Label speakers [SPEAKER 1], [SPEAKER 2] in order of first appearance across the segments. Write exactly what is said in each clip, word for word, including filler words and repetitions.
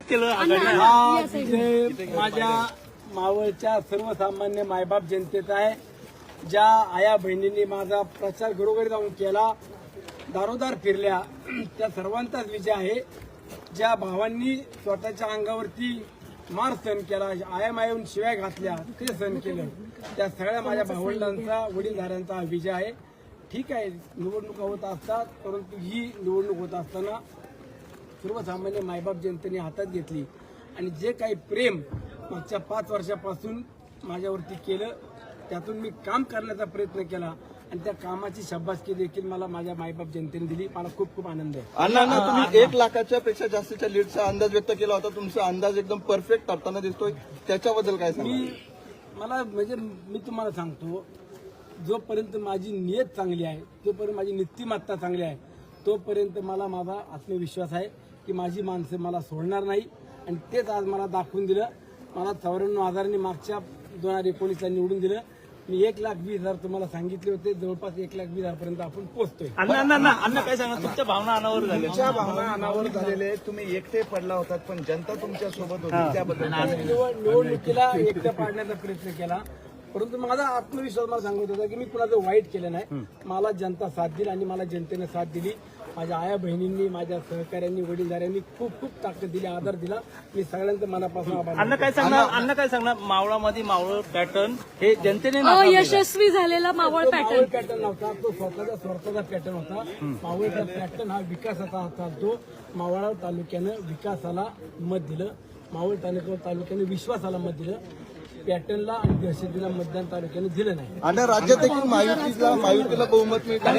[SPEAKER 1] केलं
[SPEAKER 2] हा विजय माझ्या मावळच्या सर्वसामान्य मायबाप जनतेचा आहे. ज्या आया बहिणींनी माझा प्रचार घरोघरी जाऊन केला, दारोदार फिरल्या, त्या सर्वांचाच विजय आहे. ज्या भावांनी स्वतःच्या अंगावरती मार सहन केला, आया मायेहून शिव्या घातल्या, ते सहन केलं, त्या सगळ्या माझ्या भावंडांचा, वडीलधाऱ्यांचा हा विजय आहे. ठीक आहे, निवडणुका होत असतात, परंतु ही निवडणूक होत असताना सर्वसामान्य मायबाप जनतेने हातात घेतली आणि जे काही प्रेम मागच्या पाच वर्षापासून माझ्यावरती केलं, त्यातून मी काम करण्याचा प्रयत्न केला आणि त्या कामाची शाबासकी देखील मला माझ्या मायबाप जनतेने दिली. मला खूप खूप आनंद आहे.
[SPEAKER 3] अण्णा अण्णा तुम्ही एक लाखाच्या पेक्षा जास्तीच्या लीडचा अंदाज व्यक्त केला होता. तुमचा अंदाज एकदम परफेक्ट ठरताना दिसतोय, त्याच्याबद्दल काय सांगा?
[SPEAKER 2] मी मला म्हणजे मी तुम्हाला सांगतो, जोपर्यंत माझी नियत चांगली आहे, जोपर्यंत माझी नीतिमत्ता चांगली आहे, तोपर्यंत मला माझा आत्मविश्वास आहे की माझी माणसं मला सोडणार नाही. आणि तेच आज मला दाखवून दिलं. मला चौऱ्याण्णव हजारांनी मागच्या दोन हजार एकोणीसला निवडून दिलं. मी एक लाख वीस हजार तुम्हाला सांगितले होते, जवळपास एक लाख वीस हजारपर्यंत आपण पोहोचतोय.
[SPEAKER 1] अण्णा अण्णा अण्णा काय सांगा, तुमच्या भावना अनावर झाल्या?
[SPEAKER 4] तुमच्या भावना अनावर झालेले, तुम्ही एकटे पडला होतात पण जनता तुमच्या सोबत होती, त्याबद्दल
[SPEAKER 2] निवड- निवडणुकीला एकटं पाडण्याचा प्रयत्न केला, परंतु माझा आत्मविश्वास मला सांगत होता की मी कुणाचं वाईट केलं नाही. मला जनता साथ दिली आणि मला जनतेने साथ दिली. माझ्या आया बहिणींनी, माझ्या सहकाऱ्यांनी, वडीलधाऱ्यांनी खूप खूप ताकद दिली, आदर दिला. मी सगळ्यांचं मनापासून आभार
[SPEAKER 1] अण्णा काय सांगणार, अण्णा काय सांगणार, मावळामध्ये मावळ पॅटर्न हे जनतेने
[SPEAKER 5] यशस्वी झालेला मावळ
[SPEAKER 2] तो
[SPEAKER 5] पॅटर्न
[SPEAKER 2] मावळ पॅटर्न नव्हता, तो स्वतःचा स्वतःचा पॅटर्न होता. मावळचा पॅटर्न हा विकासाचा होता. तो मावळ तालुक्यानं विकासाला मत दिलं, मावळ तालुक्या तालुक्यानं विश्वासाला मत दिलं. पॅटर्नला आणि दहशतीला मतदान तालुक्याने दिलं नाही.
[SPEAKER 3] आणि राज्यात देखील महायुतीला महायुतीला बहुमत मिळतं.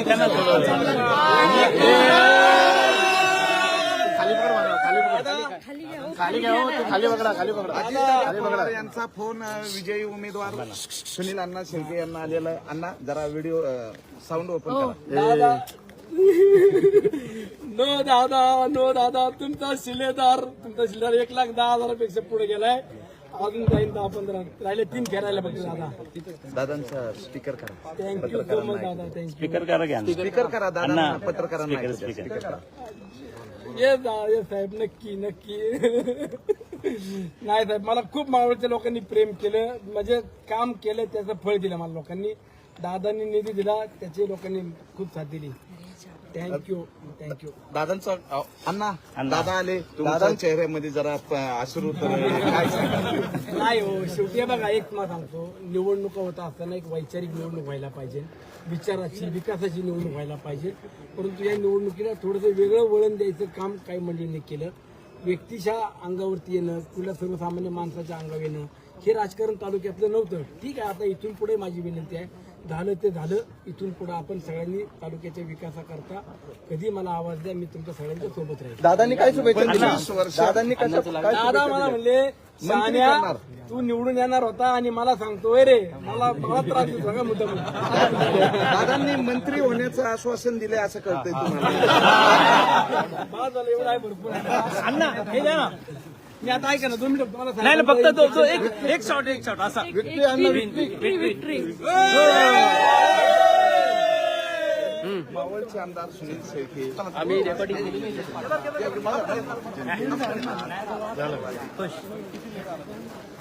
[SPEAKER 4] खाली घ्या, खाली बघा, खाली बघा. यांचा फोन विजयी उमेदवार सुनील अण्णा शेळके यांना आलेला आहे. अण्णा जरा व्हिडिओ साऊंड ओपन करा.
[SPEAKER 2] दादा नो दादा नो दादा तुमचा शिलेदार तुमचा शिलेदार एक लाख दहा हजारापेक्षा पुढे गेलाय. अजून जाईन दहा पंधरा राहिले, तीन फेरायला बघते दादा.
[SPEAKER 4] दादांचा स्पीकर करा,
[SPEAKER 2] थँक्यू सो मच दादा, थँक्यू.
[SPEAKER 1] स्पीकर करा घ्या.
[SPEAKER 4] स्पीकर करा दादा, पत्रकारांना
[SPEAKER 1] स्पीकर स्पीकर
[SPEAKER 4] करा.
[SPEAKER 2] ये ये साहेब, नक्की नक्की. नाही साहेब, मला खूप मावळच्या लोकांनी प्रेम केलं, म्हणजे काम केलं, त्याचं फळ दिलं मला लोकांनी. दादांनी निधी दिला, त्याचे लोकांनी खूप साथ दिली. Thank you thank you.
[SPEAKER 4] दादांचा अण्णा दादा आले, तुमच्या चेहऱ्यामध्ये जरा अश्रू काय सांगा?
[SPEAKER 2] नाही हो, शेवटी बघा, एक मला सांगतो, निवडणुका होता असताना एक वैचारिक निवडणूक व्हायला पाहिजे, विचाराची विकासाची निवडणूक व्हायला पाहिजे. परंतु या निवडणुकीला थोडंसं वेगळं वळण द्यायचं काम काही मंडळींनी केलं. व्यक्तीच्या अंगावरती येणं, कुठल्या सर्वसामान्य माणसाच्या अंगावर येणं, हे राजकारण तालुक्यातलं नव्हतं. ठीक आहे, आता इथून पुढे माझी विनंती आहे, झालं ते झालं. इथून पुढे आपण सगळ्यांनी तालुक्याच्या विकासाकरता कधी मला आवाज द्या, मी तुमच्या सगळ्यांच्या सोबत राहील.
[SPEAKER 3] दादांनी काय शुभेच्छा
[SPEAKER 4] पंचवीस
[SPEAKER 3] दिल्या?
[SPEAKER 4] वर्ष
[SPEAKER 3] दादांनी काय काय
[SPEAKER 2] दादा
[SPEAKER 3] शुभेच्छा
[SPEAKER 2] मला
[SPEAKER 3] दिल्या?
[SPEAKER 2] म्हणले, शहाण्या तू निवडून येणार होता आणि मला सांगतोय रे, मला मला त्रास देतो सगळा मुद्दा.
[SPEAKER 4] दादांनी मंत्री होण्याचं आश्वासन दिले असं कळतंय तुम्हाला?
[SPEAKER 2] बाद झालं, एवढं आहे भरपूर आहे.
[SPEAKER 1] अण्णा हे द्या ना.
[SPEAKER 2] मी आता ऐका ना, दोन मिनिटं तुम्हाला
[SPEAKER 1] नाही नाही, फक्त
[SPEAKER 2] सांगितलं.
[SPEAKER 1] तो तो एक एक शॉट एक शॉट असा.
[SPEAKER 3] विक्ट्री अण्णा विक्ट्री.
[SPEAKER 5] विक्ट्री.
[SPEAKER 4] मावळचे आमदार सुनील शेळके
[SPEAKER 1] आम्ही रेकॉर्डिंग केली.